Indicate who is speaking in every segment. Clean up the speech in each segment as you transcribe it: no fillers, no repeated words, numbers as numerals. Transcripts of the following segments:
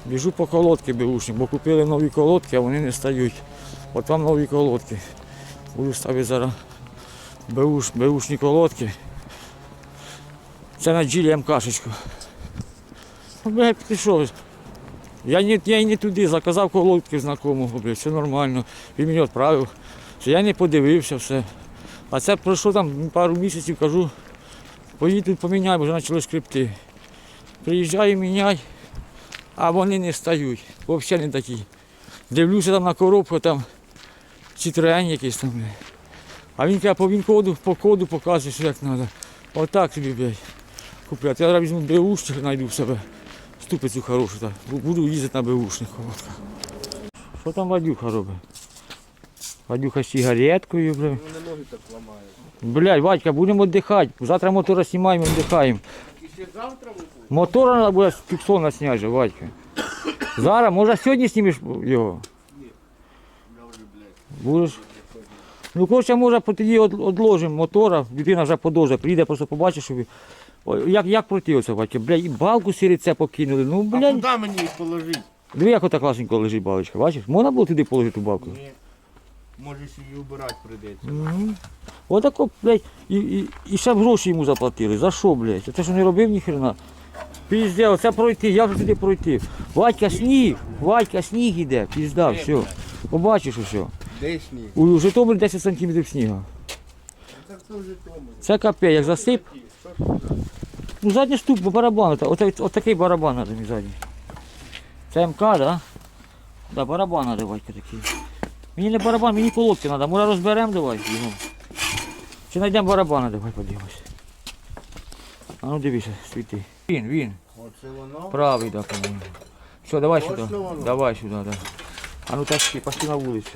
Speaker 1: Біжу по колодки беушні, бо купили нові колодки, а вони не стають. От там нові колодки. Буду ставити зараз беушні колодки. Це на джилі МКшечку. Блядь, ти що? Я й не туди заказав колодки знайомого, блядь, все нормально. Він мені відправив. Я не подивився все. А це пройшло там пару місяців, кажу, поїду поміняй, бо вже почали шкребти. Приїжджаю, міняй, а вони не стають. Взагалі не такі. Дивлюся там на коробку, там Citroen якийсь там, блядь. А він каже, по коду показує, що як треба. Отак тобі, блядь, купляти. Я зараз візьму беушник, знайду в себе. Ступицю хорошу, так. Буду їздити на беушних колодках. Що там Вадюха робить? Вадюха з сигареткою, блядь.
Speaker 2: Вони ноги так ламають.
Speaker 1: Блядь, Вадька, будемо віддихати. Завтра мотора знімаємо, віддихаємо.
Speaker 2: І ще завтра виходить?
Speaker 1: Мотора треба буде з фіксона зняти, же, Вадька. Зараз, може сьогодні знімеш його?
Speaker 2: Ні. Я вже, блядь.
Speaker 1: Будеш? Ну, коротше, може тоді відложимо мотора, людина вже подовжує, приїде, просто побачиш, що як пройти оце, Вадька, блядь, і балку сіриця покинули, ну,
Speaker 2: А
Speaker 1: блядь.
Speaker 2: куди мені їх положити?
Speaker 1: Диви, як ота класненько лежить балочка, бачиш? Можна було туди положити ту балку?
Speaker 2: Ні. Може її убирати прийдеться.
Speaker 1: Угу. Отако, блядь, і ще б гроші йому заплатили. За що, блядь? Це що не робив ніхрена. Пізде, оце пройти, як же туди пройти? Вадька, сніг іде, пізда, все. Побачиш усе.
Speaker 2: Де сніг?
Speaker 1: У Житомирі 10 сантиметрів снігу.
Speaker 2: Так це вже тому.
Speaker 1: Це капець, як засип. Ну задній ступ, бо барабан, отакий барабан треба мені задній. Це МК, так? Да? Да, барабан треба, Вадька, такий. Мені не барабан, мені колодки треба. Може розберемо, давай його. Чи знайдемо барабана, давай подивимось. А ну дивися, світи. Він.
Speaker 2: Оце воно?
Speaker 1: Правий, так, по-моєму. Все, давай сюди.
Speaker 2: Точно воно?
Speaker 1: Давай сюди, да. А ну тащи, пошли на вулицю.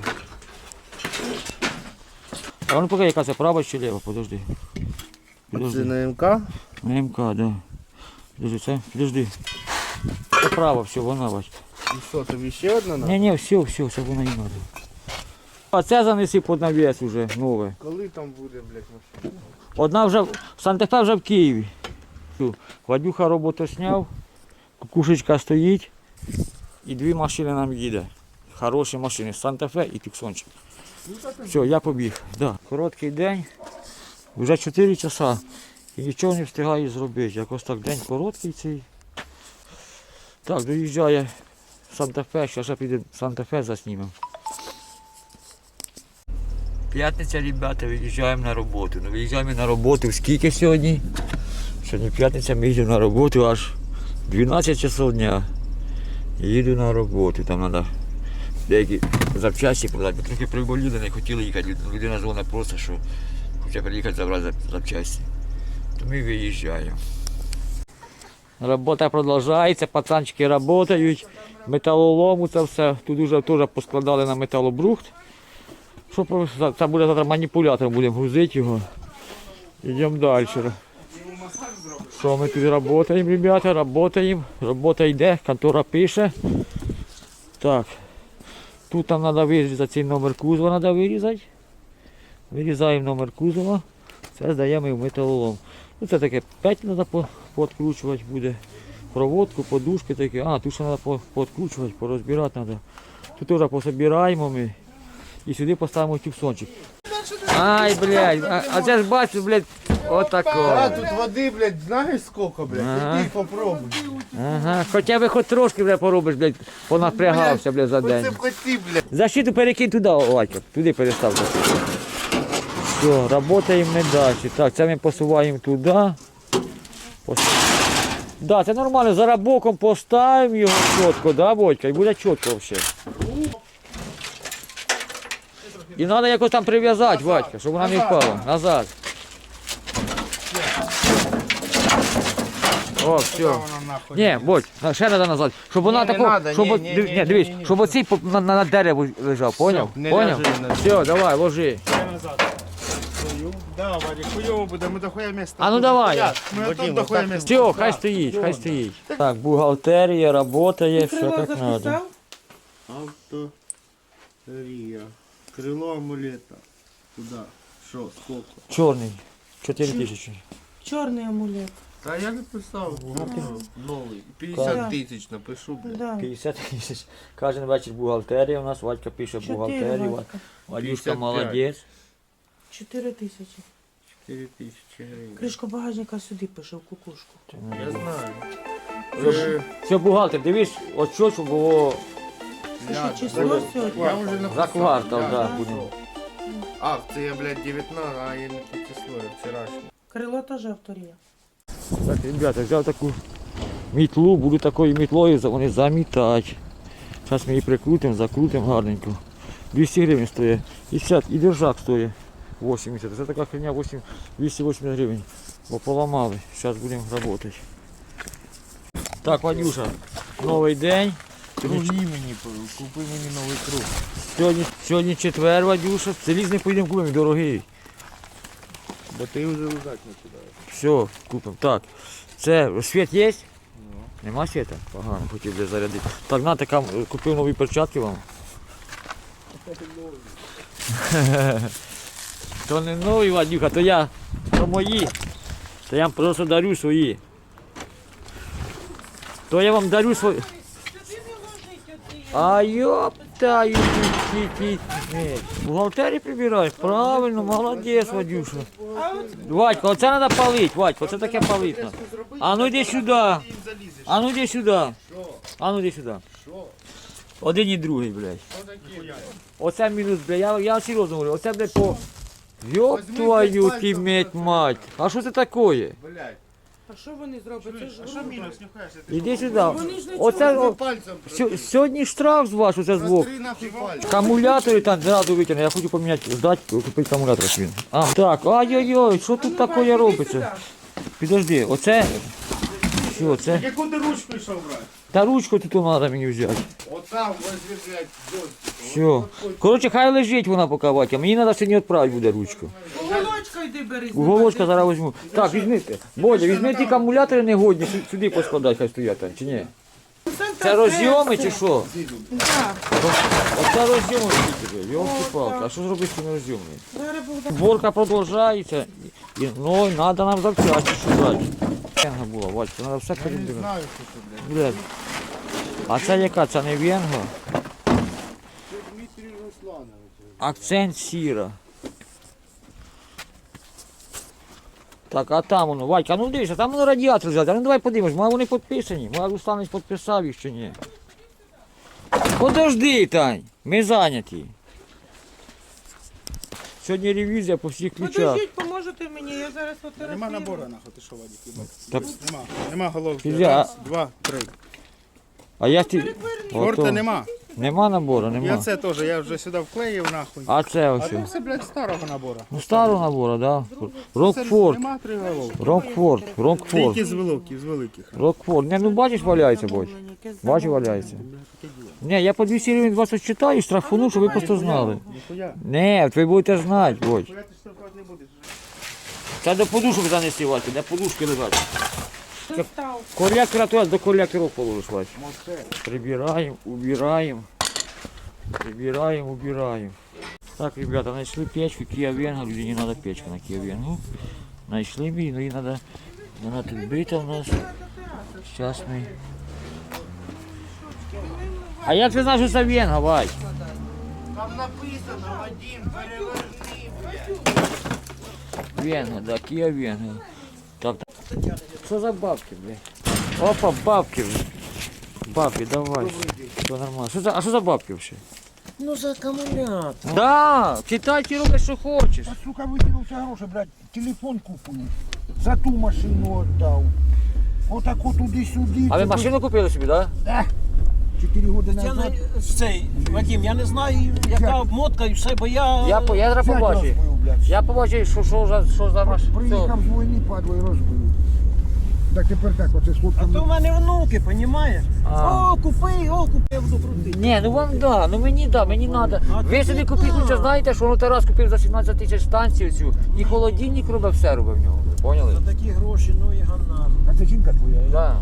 Speaker 1: А ну поки яка це, права чи ліва, подожди.
Speaker 2: Це на МК?
Speaker 1: На МК, да. Подожди, це, подожди. Це право, все, вона, Васька.
Speaker 2: І що, тобі ще одна надо?
Speaker 1: Ні, все, це вона і треба. А це занеси під навіс уже, нове.
Speaker 2: Коли там буде, блядь, машина?
Speaker 1: Одна вже, Санта-Фе вже в Києві. Вадюха роботу зняв, кукушечка стоїть і дві машини нам їде. Хороші машини, Санта-Фе і Тюксончик. Все, я побіг. Да. Короткий день, вже 4 часа і нічого не встигаю зробити. Якось так день короткий цей. Так, доїжджає Санта-Фе, зараз піде Санта-Фе заснімемо. П'ятниця, ребята, виїжджаємо на роботу. Ну, виїжджаємо на роботу скільки сьогодні? Сьогодні п'ятниця, ми їдемо на роботу аж 12 часов дня. Їду на роботу, там треба деякі запчасті продати. Ми трохи приболіли, не хотіли їхати. Людина дзвонить просто, що хоче приїхати забрати запчасті. То ми виїжджаємо. Робота продовжується, пацанчики працюють, металолому це все. Тут вже теж поскладали на металобрухт. Що це буде завтра маніпулятором, будемо грузити його. Йдемо далі. Що ми тут працюємо, ребята, працюємо. Робота йде, контора пише. Так. Тут нам треба вирізати цей номер кузова, треба вирізати. Вирізаємо номер кузова. Це здаємо в металолом. Ну, це таке 5 треба підкручувати буде. Проводку, подушки такі. А, тут ще треба підкручувати, порозбирати треба. Тут теж пособираємо ми. І сюди поставимо тюксончик. Ай, блядь, а це ж бачиш, блядь, отако.
Speaker 2: А, тут води, блядь, знаєш скільки, блядь?
Speaker 1: Ага.
Speaker 2: Іди попробуй.
Speaker 1: Ага, хоча б хоч трошки вже поробиш, блядь, понапрягався, блядь, за
Speaker 2: Оце
Speaker 1: день.
Speaker 2: б хоті, блядь.
Speaker 1: Защиту перекинь туди, Вадька, туди перестав. Все, працюємо не далі. Так, це ми посуваємо туди. Да, це нормально, зараз боком поставимо його чітко, да, Водька, і буде чітко взагалі. І треба якось там прив'язати, Вадька, щоб вона не впала. Назад. О, все.
Speaker 2: Вона нахуй.
Speaker 1: Ні, Бодь, ще треба назад. Щоб вона
Speaker 2: Ні, не
Speaker 1: тако,
Speaker 2: надо,
Speaker 1: щоб,
Speaker 2: ні,
Speaker 1: дивись,
Speaker 2: ні.
Speaker 1: щоб оцей на дереву лежав, поняв?
Speaker 2: не
Speaker 1: Поняв?
Speaker 2: ляжи на
Speaker 1: Все, давай, ложи.
Speaker 2: Да, Вадик, хуйово буде, ми дохуя місця.
Speaker 1: А ну давай.
Speaker 2: Ми тут дохуя місця.
Speaker 1: Все, хай стоїть, хай стоїть. Так, бухгалтерія, працює, все як треба.
Speaker 2: Авторія. Крило амулета. Туда. Що, сколько?
Speaker 1: Чорний, 4 тисячі.
Speaker 3: Чорний амулет.
Speaker 2: Та я написав. Новий.
Speaker 3: Да.
Speaker 2: 50 тисяч напишу, блядь.
Speaker 3: Да.
Speaker 1: 50 тисяч. Кожен вечір бухгалтерія у нас, Вадька пише бухгалтерію.
Speaker 3: Вадька.
Speaker 1: Вадюшка
Speaker 2: 55.
Speaker 1: молодець.
Speaker 3: 4 тисячі.
Speaker 2: 4 тисячі гривень.
Speaker 3: Кришка багажника сюди пише в кукушку.
Speaker 2: Я знаю.
Speaker 1: Все, бухгалтер, дивись, от що, щоб було
Speaker 3: Це
Speaker 2: Я-
Speaker 3: що, число сьогодні?
Speaker 2: Я вже написав.
Speaker 1: за квартал,
Speaker 2: Я
Speaker 1: да,
Speaker 2: написав.
Speaker 1: будемо.
Speaker 2: Акція, блядь, 19, а я не те число, я вчорашнє.
Speaker 3: Крило теж авторія.
Speaker 1: Так, ребята, взяв таку мітлу, буду такою мітлою вони замітати. Зараз ми її прикрутимо, закрутимо гарненько. 200 гривень стоїть. І держак стоїть 80. Це така херня 280 гривень. Бо поламали. Зараз будемо працювати. Так, Вадюша, новий день.
Speaker 2: Круги мені, купи мені новий круг.
Speaker 1: Сьогодні четвер, Вадюша. Залізний поїдемо купимо, дорогий.
Speaker 2: Бо ти вже лежать починаєш.
Speaker 1: Все, купимо. Так, це світ є? Нема світа? Погано, хотів би зарядити. Так, на, така, купив нові перчатки вам. То не нові, Вадюха, то мої. То я вам просто дарю свої. То я вам дарю свої. А ёптаю, ти. Бухгалтерії прибираєш? Правильно, молодець, Вадюша. Вадька, оце треба палити, Вадька, оце таке палити. А ну йди сюди. А ну йди сюди. А ну йди сюди. Один і другий, блядь. Оце мінус, блядь, я серйозно говорю, оце, блядь, по... Ёб твою ти мать. А що це таке?
Speaker 2: Блядь.
Speaker 3: А що вони зроблять? Це ж
Speaker 2: А що
Speaker 3: грубо.
Speaker 2: мінус, нюхаєшся?
Speaker 1: Іди сюди.
Speaker 3: Вони ж не
Speaker 1: Оце, о,
Speaker 2: Пальцем
Speaker 1: сьогодні штраф з вас, оце збоку.
Speaker 2: Три нахуй пальцем.
Speaker 1: Акумулятори там зразу витягну, я хочу поміняти, здати, купити акумулятор свій. А, так, ой-ой-ой, що тут таке робиться? Підожди, оце, що це?
Speaker 2: Яку ти ручку йшов брати?
Speaker 1: Та ручку тут треба мені взяти.
Speaker 2: От там возьми, блядь,
Speaker 1: Все. Коротше, хай лежить вона поки, Ватя, мені треба сьогодні відправити буде ручку.
Speaker 3: Уголочка йди бери.
Speaker 1: Уголочка зараз візьму. Так, візьми, Бодя, візьми ті акумулятори негодні, сюди поскладай, хай стоять там, чи ні? Це розйоми чи що?
Speaker 3: Так.
Speaker 1: Оце розйоми, йолки-палки, а що зробити з цими розйомами?
Speaker 3: Зараз буде.
Speaker 1: Зборка продовжується, ну, треба нам запчасти шукати. Венга була, Ватя, треба все перебирати.
Speaker 2: знаю, що це, блядь.
Speaker 1: Блядь. А це яка? Це не венга?
Speaker 2: Це Дмитрій Русланович.
Speaker 1: Акцент сіра. Так, а там воно, Вадька, ну дивися, там воно радіатор взяти. А ну давай подивимось, може вони підписані. Може Русланович підписав їх чи ні. Подожди, Тань, ми зайняті. Сьогодні ревізія по всіх ключах.
Speaker 3: Подождіть, поможете мені, я зараз фотографую.
Speaker 2: Нема набору, нахуй, ти що, Вадик, їбать?
Speaker 1: Так.
Speaker 2: Нема головки.
Speaker 1: Підожди, а-
Speaker 2: Раз, два, три.
Speaker 1: А я ті...
Speaker 2: Форта
Speaker 1: Ото.
Speaker 2: нема.
Speaker 1: Нема набору,
Speaker 2: Я
Speaker 1: нема.
Speaker 2: це теж, я вже сюди вклеїв, нахуй.
Speaker 1: А це ось.
Speaker 2: А це все, блядь, старого набору.
Speaker 1: Ну старого набору, да.
Speaker 2: Це
Speaker 1: Рокфорд.
Speaker 2: Нема три головки.
Speaker 1: Рокфорд.
Speaker 2: Тільки з великих.
Speaker 1: Рокфорд. Не, ну бачиш, валяється, бач. Бачиш, валяється. Ні, я по 200 гривень вас ось читаю, штрафуну, щоб ви просто знали.
Speaker 2: Ніхуя.
Speaker 1: Не, ви будете знати, Бодь.
Speaker 2: Ніхуя ти штрафувати не будеш.
Speaker 1: Це до подушок занести, Вася, де подушки лежать.
Speaker 3: Став.
Speaker 1: Колектора туди, до колекторів положиш, Вася.
Speaker 2: Моце.
Speaker 1: Прибираємо, убираємо. Прибираємо, убираємо. Так, ребята, знайшли печку Kia Venga, людині треба печка на Kia Venga. Знайшли ми, ну її треба, вона тут бита у нас. Зараз ми... А як ти знаєш, що це Venga, Вась?
Speaker 2: Там написано, Вадим, переверни, блядь.
Speaker 1: Venga, да, Kia Venga. Так, так. Що за бабки, блядь? Опа, бабки. Бабки, давай. Все нормально. А що за бабки взагалі?
Speaker 4: Ну за акумулятор.
Speaker 1: Да, читай, роби, що хочеш.
Speaker 4: А сука викинувся гроші, блядь, телефон купив. За ту машину віддав. Отако туди-сюди.
Speaker 1: А ви машину купили собі, так? Да?
Speaker 4: 4 роки
Speaker 5: Я
Speaker 4: назад.
Speaker 5: не цей, Вадим, я не знаю, яка обмотка і все, бо я.
Speaker 1: Я зараз
Speaker 4: П'ять
Speaker 1: побачив.
Speaker 4: розбив, блядь.
Speaker 1: Я побачив, що за машина.
Speaker 4: Приїхав з війни, падло і розбив. Так тепер так, оце з
Speaker 5: А
Speaker 4: хлопцями.
Speaker 5: то в мене внуки, понімаєш?
Speaker 1: А.
Speaker 5: О, купи, я буду крутити.
Speaker 1: Ні, ну вам да, ну мені треба. Ви собі купіть, лучше знаєте, що Тарас купив за 17 тисяч станцію цю, і холодильник робив, все робив в нього. Ви поняли?
Speaker 5: За такі гроші, ну і ганна.
Speaker 4: А це жінка твоя.
Speaker 1: Да.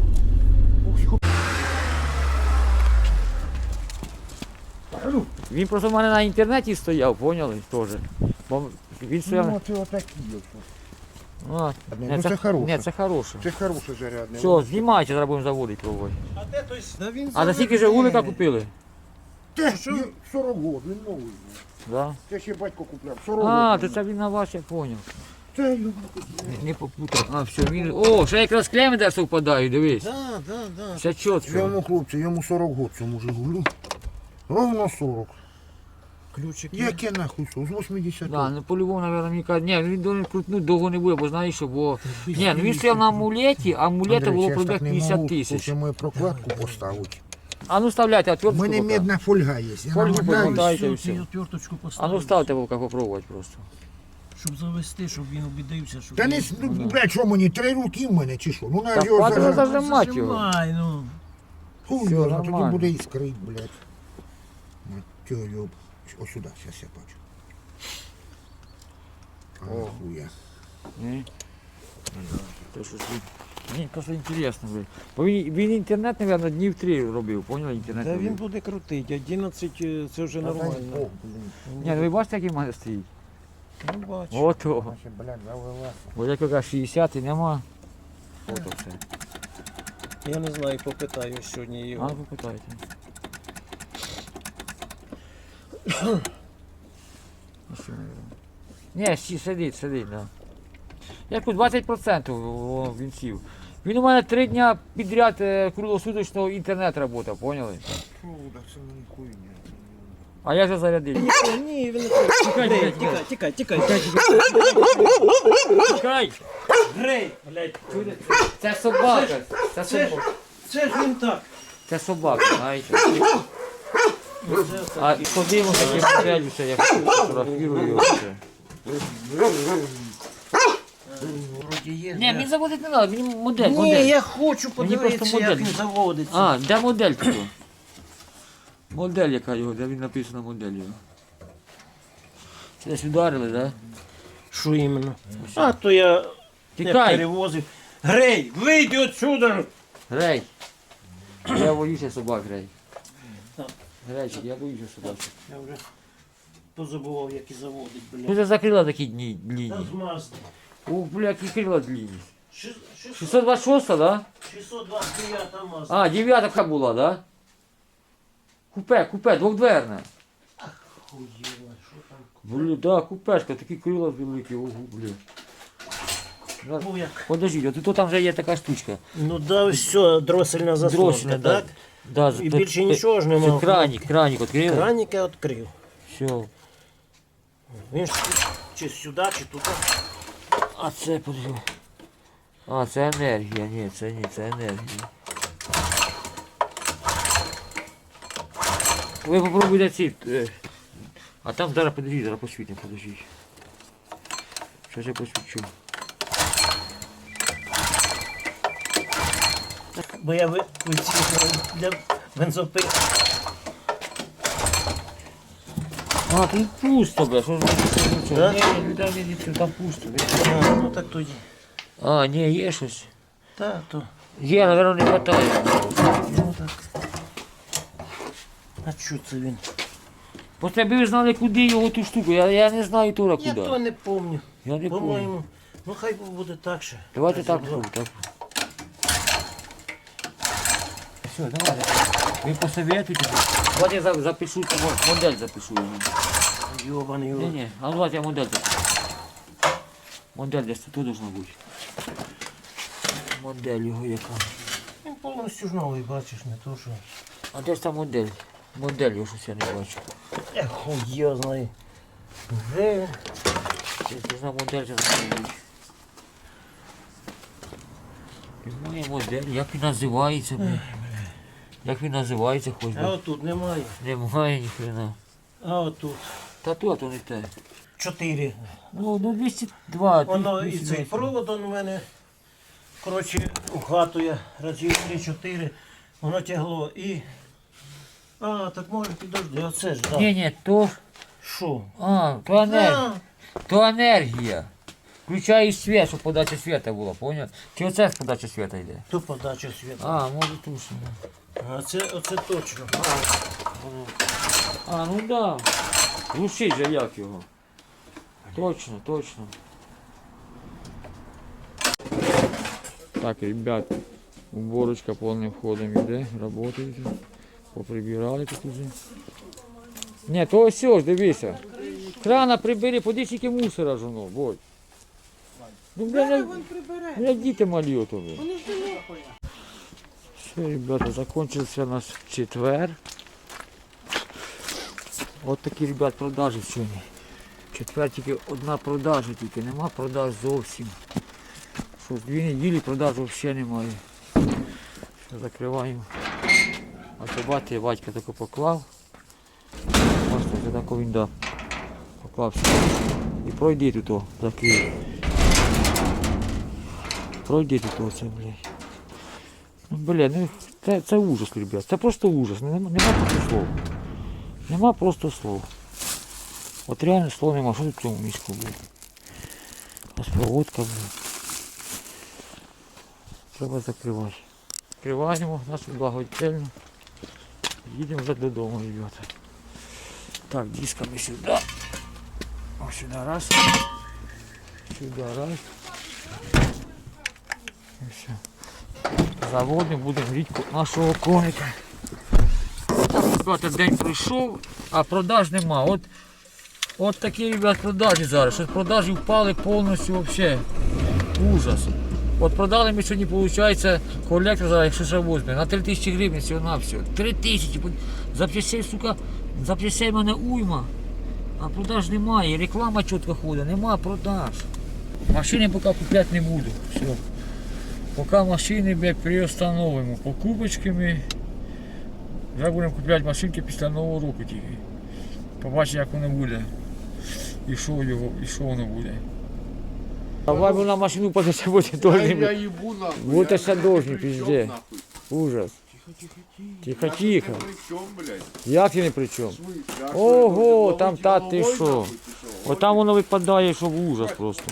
Speaker 4: Ну,
Speaker 1: Він просто в мене на інтернеті стояв, поняли? Теж. Бо він стояв.
Speaker 4: ну це отакі. ось.
Speaker 1: А,
Speaker 4: Ну, це хороше.
Speaker 1: Ні, це хороше.
Speaker 4: Це хороше зарядне.
Speaker 1: Все, знімайте, зараз будемо заводити пробувати.
Speaker 5: А де той? Да він
Speaker 1: А за скільки Жигулика купили?
Speaker 4: Те, 40 років, він новий.
Speaker 1: Да.
Speaker 4: Це ще батько купляв. 40
Speaker 1: А,
Speaker 4: років.
Speaker 1: то це він на вас, я зрозумів.
Speaker 4: Це його.
Speaker 1: Не попутав. А, все, він. О, ще якраз клеми де совпадають, дивись.
Speaker 5: Да.
Speaker 1: Все чітко.
Speaker 4: Йому хлопці, йому 40 років цьому Жигулю. Ровно 40.
Speaker 5: Ключик.
Speaker 4: Яке нахуй що? З 80.
Speaker 1: Да, ну по-любому, мабуть, мені кажуть, ні, він должен крутнути довго не буде, бо знаєш що, бо... Ні, ну він стояв на амулеті, а амулета було пробіг 50 тисяч.
Speaker 4: Хоче мою прокладку поставити.
Speaker 1: А ну вставляйте,
Speaker 4: У
Speaker 1: отвертку
Speaker 4: мене
Speaker 1: поки.
Speaker 4: медна фольга є. Я
Speaker 1: Фольгу
Speaker 4: намотаю.
Speaker 1: помотайте і
Speaker 5: Все,
Speaker 1: все.
Speaker 5: отверточку
Speaker 1: А
Speaker 5: поставив.
Speaker 1: ну ставте вовка попробувати просто.
Speaker 5: Щоб завести, щоб він убідився, що
Speaker 4: Та не, ну, блядь, що мені, 3 руки в мене чи що? Ну, на
Speaker 1: Та
Speaker 4: його
Speaker 1: хватило
Speaker 4: зажати.
Speaker 1: зажимати його.
Speaker 5: Зажимай, ну.
Speaker 4: Хуй
Speaker 1: Все,
Speaker 4: його, тоді
Speaker 1: нормально.
Speaker 4: буде іскрить, блядь. Матьо, йоб. Ось сюди, зараз я бачу. О, хуя.
Speaker 1: Ні? То щось він- Мені просто інтересно, блядь. Бо він інтернет, мабуть, днів 3 робив, поняли? Інтернет
Speaker 5: Та він
Speaker 1: робив.
Speaker 5: буде крутити, 11 це вже нормально.
Speaker 1: Ні, ну ви бачите, який в мене стоїть?
Speaker 5: Ну бачу.
Speaker 1: Ото.
Speaker 4: Наші, блядь, завелася.
Speaker 1: Бо як яка 60 і нема. Ото все.
Speaker 5: Я не знаю, попитаю сьогодні
Speaker 1: А,
Speaker 5: його.
Speaker 1: попитайте. Ні, сидить, да. Як тут 20% він сів. Він у мене 3 дня підряд круглосуточного інтернет працював, поняли?
Speaker 4: Фу, так це мені хуйня.
Speaker 1: А я вже зарядив.
Speaker 5: Ні, він не
Speaker 1: Тікай,
Speaker 5: Грей,
Speaker 1: тікай,
Speaker 5: тікай.
Speaker 1: Чекай!
Speaker 5: Грей, блядь.
Speaker 1: Це собака. Це собака.
Speaker 5: Це ж він так.
Speaker 1: Це собака, знаєте. А ходимо такі моделі, що я фотографірую його. все.
Speaker 5: Вроді є.
Speaker 1: Ні, мені заводити не треба, мені модель,
Speaker 5: Ні,
Speaker 1: модель.
Speaker 5: я хочу
Speaker 1: Мені
Speaker 5: подивитися,
Speaker 1: просто
Speaker 5: як
Speaker 1: модель.
Speaker 5: він заводиться.
Speaker 1: А, де модель тут? Модель яка його, де він написано модель його. Це десь ударили, так? Да?
Speaker 5: Що іменно? А, то я не
Speaker 1: Тікай!
Speaker 5: перевозив. Грей, вийди отсюда!
Speaker 1: Грей! Я боюся собак, Грей.
Speaker 5: Так.
Speaker 1: Грейчик, я боюся собак.
Speaker 5: Я вже позабував, як і заводить,
Speaker 1: Ну
Speaker 5: блядь.
Speaker 1: це закрила такі
Speaker 5: Та
Speaker 1: длинні.
Speaker 5: змазди.
Speaker 1: Ух, бля, які крила длинні.
Speaker 5: 629
Speaker 1: 626, так? Да?
Speaker 5: мазда.
Speaker 1: А, 9 була, так? Да? Купе, двохдверне.
Speaker 5: Хуєво, що там?
Speaker 1: Блін, да, купешка, такі крила великі, ого, блін.
Speaker 5: Ну як?
Speaker 1: Подожди, от тут там вже є така штучка.
Speaker 5: Ну да, все, дросельна заслонка,
Speaker 1: Дросельна, да.
Speaker 5: так?
Speaker 1: Да,
Speaker 5: І більше нічого ж
Speaker 1: Це
Speaker 5: нема.
Speaker 1: краник відкрили.
Speaker 5: Краник я відкрив.
Speaker 1: Все.
Speaker 5: Він ж чи сюди, чи туди.
Speaker 1: А це подожди. А, це енергія, ні, це енергія. Ви попробуйте ці. А там зараз подожди, зараз посвітимо, подожди. Щось я посвічу.
Speaker 5: Бо я для бензопили.
Speaker 1: А, тут пусто, бля, що ж ви
Speaker 5: Да?
Speaker 1: Ні, там пусто. бля.
Speaker 5: А, ну так тоді.
Speaker 1: А, ні, є щось.
Speaker 5: Та, то.
Speaker 1: Є, мабуть, не вистачає.
Speaker 5: Ну так. А що це він?
Speaker 1: Просто аби ви знали, куди його ту штуку. Я не знаю тура
Speaker 5: Я
Speaker 1: куди.
Speaker 5: то не пам'ятаю.
Speaker 1: Я не пам'ятаю.
Speaker 5: По-моєму. Ну хай буде так ще.
Speaker 1: Давайте так зробимо. Так. Все, давайте. Ви посоветуйте. Давайте я запишу, модель запишу йому.
Speaker 5: Йобаний
Speaker 1: Ні,
Speaker 5: його.
Speaker 1: ні, а ну давайте я модель запишу. Модель десь тут должна бути. Модель його яка.
Speaker 5: Він повністю ж новий, бачиш, не то що.
Speaker 1: А де ж та модель? Модель його щось я не бачу.
Speaker 5: Хуй я знаю. Вже.
Speaker 1: Це должна модель зараз бути. Немає модель, як він називається, бля? Як він називається, хоч
Speaker 5: А
Speaker 1: би.
Speaker 5: отут немає.
Speaker 1: Немає ніхрена.
Speaker 5: А отут.
Speaker 1: Та тут не те.
Speaker 5: 4.
Speaker 1: Ну, 202.
Speaker 5: Воно і
Speaker 1: 210.
Speaker 5: цей провод он у мене. Коротше, у хату я разів 3-4. Воно тягло і. А, так може підожди, оце ж, так.
Speaker 1: Ні, то.
Speaker 5: Що?
Speaker 1: То енергія.
Speaker 5: А,
Speaker 1: То енергія. Включає світ, щоб подача світа була, поняв? Чи оце з подача світа йде?
Speaker 5: то подача світу.
Speaker 1: А, може тут. ще, да.
Speaker 5: А це оце точно.
Speaker 1: А, ну да. Глушить же як його. Точно. Так, ребят, уборочка повним ходом йде, працюють. Поприбирали тут уже. Ні, то ось ж, дивися. Крана прибери, подивись, скільки мусора ж воно, Бодь. Ну,
Speaker 3: Зараз
Speaker 1: бля,
Speaker 3: він прибере.
Speaker 1: бля, діти малі ото. Бля.
Speaker 3: Вони ж не
Speaker 1: Все, ребята, закончился наш четвер. От такі, ребят, продажі сьогодні. Четвер тільки одна продажа, тільки нема продаж зовсім. Що, 2 неділі продаж взагалі немає. Все, закриваємо. А бачите, батька тако поклав. Бачите, це тако він дав. Поклав все. І пройди тут, о, закрив. Пройди тут оце, блядь. Ну, бля, ну це ужас, ребят. Це просто ужас. Нема просто слов. Нема просто слов. От реально слов нема. Що тут в цьому мішку, блядь? Розпроводка, блядь. Треба закривати. Закриваємо нашу благодетельну. Їдемо вже додому, ребята. Так, дисками сюди. Ось сюди раз. Сюди раз. І все. Заводимо, будемо гріти нашого коника. Так, ребята, день пройшов, а продаж нема. От такі, ребят, продажі зараз. Що продажі впали повністю взагалі. Ужас. От продали ми сьогодні, виходить, колектор зараз, якщо ще возьме, на 3000 гривень всього на все. 3000. Запчастей, сука, запчастей в мене уйма. А продаж немає. Реклама чітко ходить, нема продаж. Машини поки купляти не буду. Все. Поки машини, блядь, приостановимо покупочками. Вже будемо купляти машинки після Нового року тільки. Побачимо, як воно буде. І що воно буде. Давай ми на машину подати, буде
Speaker 2: Я
Speaker 1: должні.
Speaker 2: ебу нахуй.
Speaker 1: Вот
Speaker 2: я
Speaker 1: это
Speaker 2: ни
Speaker 1: должен,
Speaker 2: при чём,
Speaker 1: пизде.
Speaker 2: нахуй.
Speaker 1: Ужас. Тихо,
Speaker 2: Я
Speaker 1: тихо.
Speaker 2: тут ни при чём, блядь.
Speaker 1: Як ти не при чому?
Speaker 2: В смысле? А що,
Speaker 1: Ого,
Speaker 2: я должен
Speaker 1: там
Speaker 2: ловить
Speaker 1: та ти
Speaker 2: головой,
Speaker 1: що?
Speaker 2: нахуй, чи що?
Speaker 1: От там воно випадає, що в ужас просто.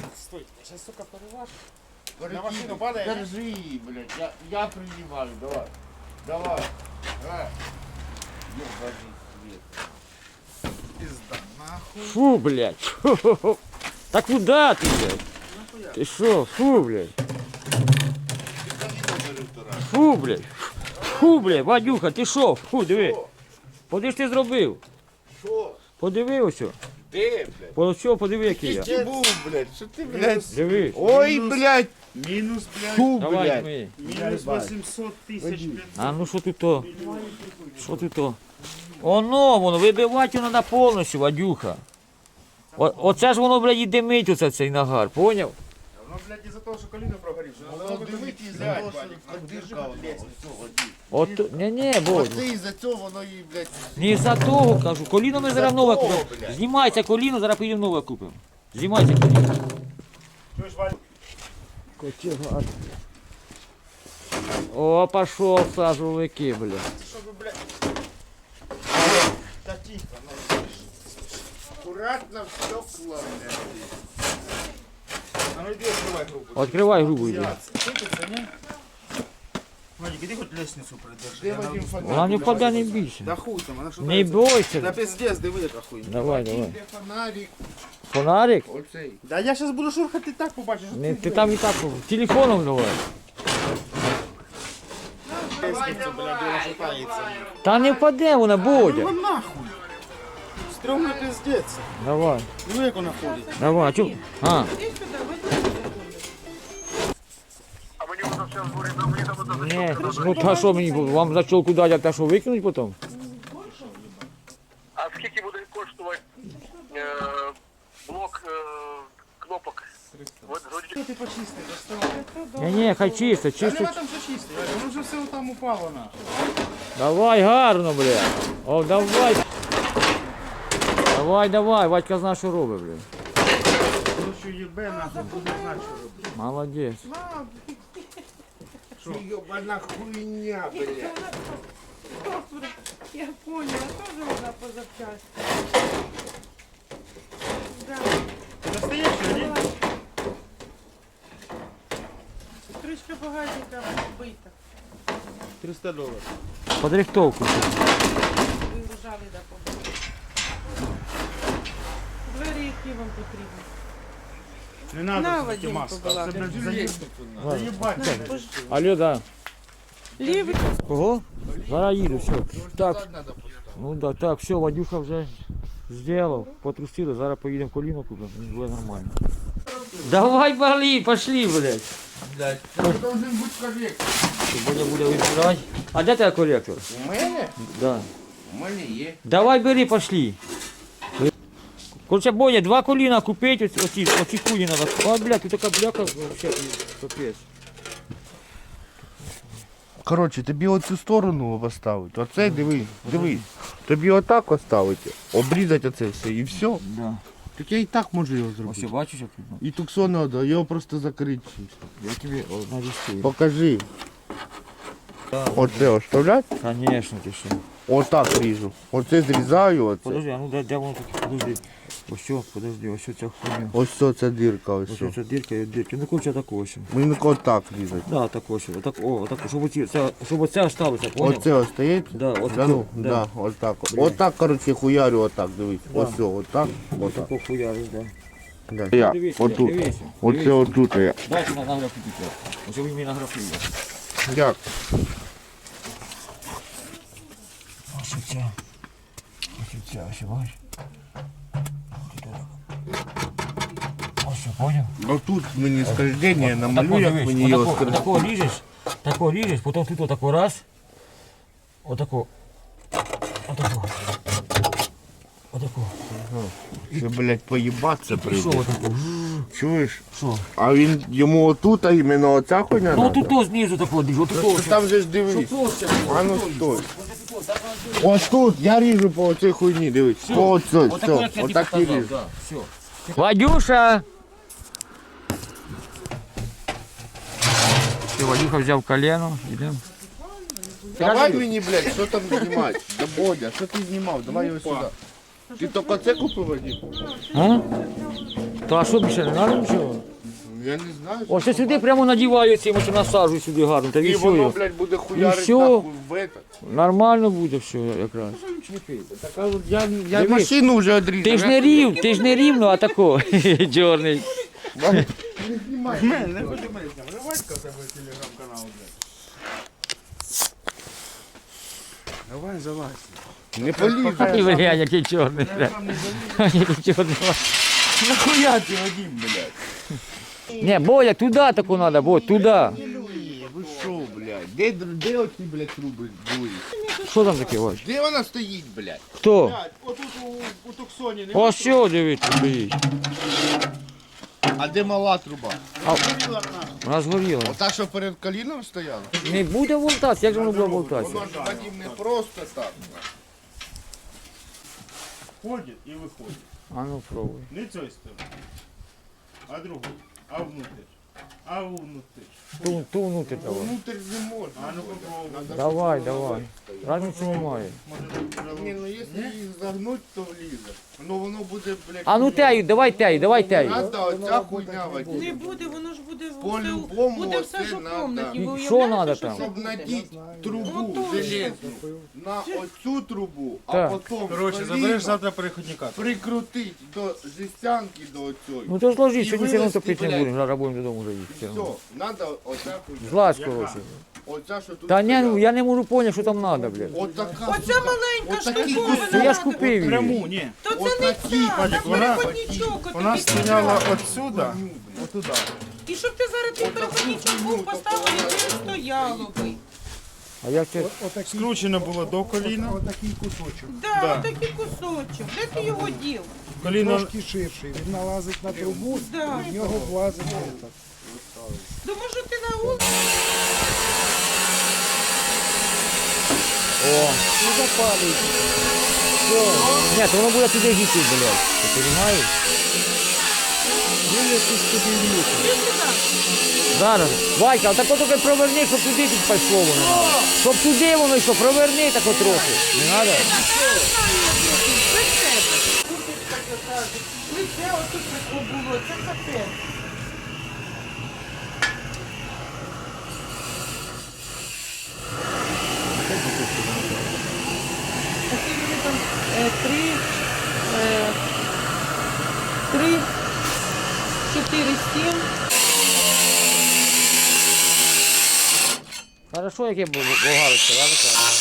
Speaker 2: На машину падає? Держи, блядь, я принимаю, давай. Давай. Ёбаный свет. Пизда, нахуй.
Speaker 1: Фу, блядь. Фу. Та куди ти, блядь? Ти що? Фу, блядь. Фу, блядь. Фу, блядь, Вадюха, ти що? Фу, диви. Поди ж ти зробив.
Speaker 2: Що?
Speaker 1: Подиви ось.
Speaker 2: Де, блядь?
Speaker 1: По що, подиви, який я.
Speaker 2: Ти був, блядь, що ти, блядь?
Speaker 1: Диви.
Speaker 2: Ой, блядь.
Speaker 6: Мінус, блядь,
Speaker 2: Фу,
Speaker 1: Давай,
Speaker 2: блядь.
Speaker 1: ми.
Speaker 6: мінус 800 тисяч, блядь.
Speaker 1: А ну що тут то? Що тут то? Воно, вибивати його треба повністю, Вадюха. Оце ж воно, блядь, і димить оце цей нагар, поняв?
Speaker 6: Воно, блядь, із-за того, що коліно прогорівше.
Speaker 2: Воно дивить із-за того, що дирка
Speaker 1: От, ні, Бодь.
Speaker 2: Оце із-за цього воно і, блядь,
Speaker 1: Не за того, кажу, коліно ми зараз нове
Speaker 2: того,
Speaker 1: купимо.
Speaker 2: блядь.
Speaker 1: Знімається коліно, зараз поїдемо нове купимо. Знімається коліно.
Speaker 6: Чуєш, Валь?
Speaker 1: О, пошел сажовики, бля.
Speaker 6: Щоб, блядь... Та тихо, ну.
Speaker 2: акуратно стекла, блядь.
Speaker 6: А ну йди відкривай групу.
Speaker 1: Відкривай грубу йди.
Speaker 6: Сипеться, ні? Вадик, іди хоч лестницю придержи.
Speaker 2: Де
Speaker 6: Я
Speaker 2: Вадим
Speaker 6: на-
Speaker 2: фонарик?
Speaker 1: Вона не впаде, не бійся.
Speaker 6: Да хуй там, вона що
Speaker 1: Не
Speaker 6: Та
Speaker 1: бойся.
Speaker 6: пиздец, диви, яка хуйня.
Speaker 1: Давай, давай.
Speaker 2: Де фонарик?
Speaker 1: Фонарик?
Speaker 2: Оцей.
Speaker 6: Да я зараз буду шурхати так, побачиш.
Speaker 1: Не, ти там і так телефоном давай.
Speaker 6: Лестницю, блядь, вона шатається.
Speaker 1: Та не впаде вона, Бодя.
Speaker 6: Ну нахуй. Стрьомно пиздець.
Speaker 1: Давай,
Speaker 6: Диви, як вона ходить.
Speaker 1: давай. Чу? А,
Speaker 3: Іди сюди, вийди.
Speaker 1: ні, ну та що мені, вам за чолку дати, а та що викинуть потім?
Speaker 7: А скільки буде коштувати блок кнопок?
Speaker 6: Що ти почисти, доставай.
Speaker 1: Ні, хай чисто,
Speaker 6: Та
Speaker 1: чисто.
Speaker 6: нема там що чисти, Вадик, воно вже все там упало нахуй.
Speaker 1: Давай, гарно, бля. О, давай. Давай, давай, Вадька знає, що робить, бля.
Speaker 6: Ну що їбе нахуй, буде знати, що робити.
Speaker 1: Молодець.
Speaker 2: Ёбана хуйня, блядь.
Speaker 3: Добре, я поняла, теж вона позавчасно. Да.
Speaker 6: Ти достаєш, що ні?
Speaker 3: Кришка багажника вбита.
Speaker 6: $300.
Speaker 1: Подрихтовку.
Speaker 3: Вигружали до побачення. Двері, які вам потрібні.
Speaker 6: Не
Speaker 3: На,
Speaker 6: треба
Speaker 3: Вадим,
Speaker 6: маска. Це,
Speaker 3: побалакай.
Speaker 6: блядь, заїбать.
Speaker 1: Алло, да.
Speaker 3: Лівий.
Speaker 1: Кого? Зараз їду, все. Так, ну да, так, все, Вадюха вже зробив, потрусили, зараз поїдемо коліно купимо, і буде нормально. Давай, бали, пошли, блядь.
Speaker 2: Блядь, це должен бути корректор.
Speaker 1: Боня буде вибирати. А де тебе коректор?
Speaker 2: У мене?
Speaker 1: Да.
Speaker 2: У мене є.
Speaker 1: Давай бери, пошли. Короче, Боня, 2 коліна купити, оці хуї надо. А, блядь, тут така бляка, вообще, капець.
Speaker 2: Коротше, тобі оцю сторону поставити. Оце дивись. Тобі отак оставити, обрізати оце все і все.
Speaker 1: Да.
Speaker 2: Так я і так можу його
Speaker 1: Ось
Speaker 2: зробити.
Speaker 1: бачиш, як тут?
Speaker 2: І туксон треба, його просто закрити.
Speaker 1: Я тобі нарисую.
Speaker 2: Покажи. Оце оставляти,
Speaker 1: Конечно, ти що.
Speaker 2: отак ріжу. Оце зрізаю, оце.
Speaker 1: Подожди, а ну де воно таке? Подожди. Ось що, подожди, ось що ця хуйня.
Speaker 2: Ось це ця дірка, ось.
Speaker 1: Ось
Speaker 2: що.
Speaker 1: ця дірка і дірка. Ну короче, так ось.
Speaker 2: Мені отак різати.
Speaker 1: Да, так ось. Отак, о, отак, щоб оце осталося, понял?
Speaker 2: Оце остається?
Speaker 1: Да, ось
Speaker 2: Да, ну,
Speaker 1: да.
Speaker 2: да, отак. Отак, коротше, хуярю отак, дивись.
Speaker 1: Да.
Speaker 2: Ось, отак,
Speaker 1: Ось
Speaker 2: отак.
Speaker 1: тако хуяриш, да.
Speaker 2: Да. Я,
Speaker 1: Дивися,
Speaker 2: отут.
Speaker 1: дивися.
Speaker 2: Оце отут я.
Speaker 1: Дайте на графіки. Ось ви мені на графіки.
Speaker 2: Як?
Speaker 1: Ось ця. Ось ця, ось бачиш? Ось, понял?
Speaker 2: Отут мені скольження, намалюю, як мені його скольження.
Speaker 1: Тако ріжеш, потім тут отако раз. Отако. Отако. Отако.
Speaker 2: Ще, блядь, поїбатися
Speaker 1: Пішов
Speaker 2: прийде.
Speaker 1: отако.
Speaker 2: Чуєш?
Speaker 1: Що?
Speaker 2: А він йому отут, а іменно оця хуйня
Speaker 1: Ну
Speaker 2: надо?
Speaker 1: тут знизу тако ріж, отако.
Speaker 2: Та Там же ж дивись. А ну стой. Ось тут, я ріжу по оцій хуйні, дивись. По оцій, все, отак і ріжу.
Speaker 1: Вадюша! Все, Вадюха взяв колено, йдемо.
Speaker 2: Давай мені, блядь, що там знімати? Да Бодя, що ти знімав? Давай його сюди. Ти тільки це купив, Вадим?
Speaker 1: А? То а що більше не треба нічого?
Speaker 2: Я не знаю.
Speaker 1: Ось я сюди прямо надіваю цим, ось насаджую сюди гарно, та
Speaker 2: І
Speaker 1: і
Speaker 2: воно,
Speaker 1: все.
Speaker 2: блядь, буде хуярити
Speaker 1: все.
Speaker 2: нахуй в этот.
Speaker 1: Нормально буде все якраз.
Speaker 2: Так, а от я
Speaker 1: Дивись.
Speaker 2: машину вже одрізав.
Speaker 1: Ти ж не рівно, а тако, чорний.
Speaker 6: Давай, залазь.
Speaker 2: Не полізу.
Speaker 1: Ти глянь, який чорний. Який чорний.
Speaker 2: Нахуя ти, Вадим, блядь?
Speaker 1: Не, Боля, туди таку треба, Бодь, туди.
Speaker 2: Ви що, блядь? Де оці, блядь, труби були?
Speaker 1: Що там таке, Вадь?
Speaker 2: Де вона стоїть, блядь?
Speaker 1: Хто?
Speaker 6: Блядь, отут у Туксоні не
Speaker 1: Ось що, дивіться, стоїть.
Speaker 2: А де мала труба?
Speaker 1: Вона згоріла.
Speaker 2: Ота, що перед коліном стояла?
Speaker 1: Не буде волтатися, як же воно буде волтатися?
Speaker 2: Воно ж, Вадим, не просто так.
Speaker 6: входить і виходить.
Speaker 1: А ну пробуй.
Speaker 6: Не цієї сторони, а другу. А внутрь. А внутрь.
Speaker 1: Ту внутрь давай.
Speaker 2: Внутрь не можна.
Speaker 6: А ну попробуй.
Speaker 1: Давай, давай. Разниці немає.
Speaker 2: Ні, ну якщо її загнуть, то влізе. Ну воно буде, блядь.
Speaker 1: А ну тею, давай тею, давай тею.
Speaker 2: Надо оця хуйня,
Speaker 3: Не
Speaker 2: Вадим.
Speaker 3: буде, воно ж буде
Speaker 2: По-любому
Speaker 3: буде все,
Speaker 2: оце
Speaker 3: що в
Speaker 2: надо.
Speaker 3: комнаті. Ви
Speaker 1: І що
Speaker 3: уявляєте,
Speaker 1: надо
Speaker 3: що
Speaker 1: там?
Speaker 3: це
Speaker 2: Щоб
Speaker 3: буде?
Speaker 2: надіть трубу
Speaker 3: Отож.
Speaker 2: железну на оцю трубу, а
Speaker 1: Так.
Speaker 2: потім
Speaker 6: Коротше,
Speaker 2: коліном
Speaker 6: забереш завтра переходника.
Speaker 2: прикрутить до жестянки до оцього.
Speaker 1: Ну то зложи,
Speaker 2: І
Speaker 1: сьогодні все одно
Speaker 2: вивезти,
Speaker 1: топити не
Speaker 2: блядь.
Speaker 1: будемо, зараз будемо додому вже їхати.
Speaker 2: Все, надо оця хуйня.
Speaker 1: Злазь, коротше.
Speaker 2: Оця, що тут
Speaker 1: Та ні, ну
Speaker 2: стояла.
Speaker 1: я не можу поняти, що там треба, блядь.
Speaker 2: Отака,
Speaker 3: Оця
Speaker 2: сука,
Speaker 3: маленька
Speaker 2: отакі
Speaker 3: штуковина.
Speaker 1: Ну я ж купив її.
Speaker 6: Пряму, ні.
Speaker 3: То це не
Speaker 2: Отакі,
Speaker 3: ця,
Speaker 6: Вадик,
Speaker 3: там
Speaker 6: вона-
Speaker 3: переходничок.
Speaker 6: Вона
Speaker 3: отакий
Speaker 6: стояла
Speaker 3: красивий.
Speaker 6: отсюда, отуда.
Speaker 3: І щоб ти зараз той переходничок був поставив, і ти стояло би.
Speaker 1: А як це?
Speaker 6: Скручено було до коліна.
Speaker 4: Отакий кусочок.
Speaker 3: Да, отакий кусочок. Де ти його дів?
Speaker 6: Коліно
Speaker 4: Трошки ширший. Він налазить на трубу,
Speaker 3: Да.
Speaker 4: в нього влазить этот.
Speaker 3: То може ти на вулиці?
Speaker 1: Не запалюй. Все. Ні, то воно буде туди гіти, блядь. Ти розумієш?
Speaker 3: Іди сюди.
Speaker 1: Зараз. Вайка, а так от тільки проверни, щоб туди тут пішло воно. Щоб туди воно йшло, проверни так от трохи. Не треба?
Speaker 3: Лице отут таке було, це капець. Такі вони там три, 4,7.
Speaker 1: Хорошо, яке болгарочка, да, така?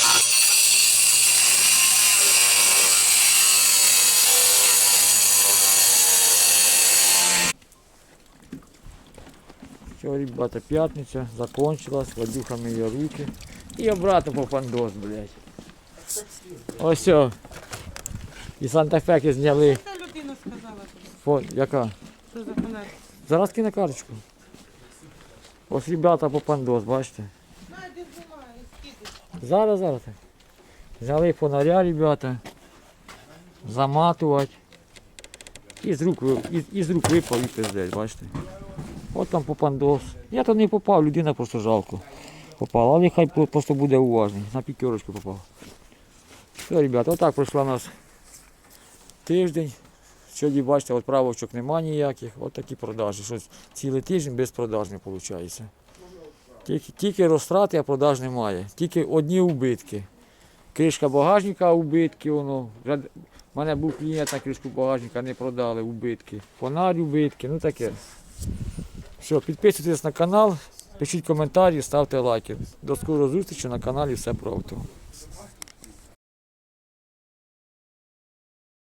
Speaker 1: Все, ребята, пятница закончилась, Вадюха мыє руки. И обратно по пандос, блядь. Ось все. І Санта-Феки зняли.
Speaker 3: Ця людина сказала тобі,
Speaker 1: Фон, яка?
Speaker 3: що за фонарь.
Speaker 1: Зараз кину карточку. Ось ребята по пандос, бачите.
Speaker 3: Найди знімає, скидиш.
Speaker 1: Зараз. Взяли фонаря, ребята. Заматувати. І з рук випав і пиздець, бачите. От там попандос. Я то не попав, людина просто жалко. Попала, але хай просто буде уважний. На п'ятерочку попав. Все, ребята, отак пройшла у нас тиждень. Сьогодні, бачите, от правочок нема ніяких. От такі продажі. Щось цілий тиждень без продаж не виходить. Тільки розтрати, а продаж немає. Тільки одні убитки. Кришка багажника убитки, воно. У мене був клієнт на кришку багажника, не продали убитки. Фонарь убитки, ну таке. Все, підписуйтесь на канал, пишіть коментарі, ставте лайки. До скорої зустрічі на каналі Все про авто.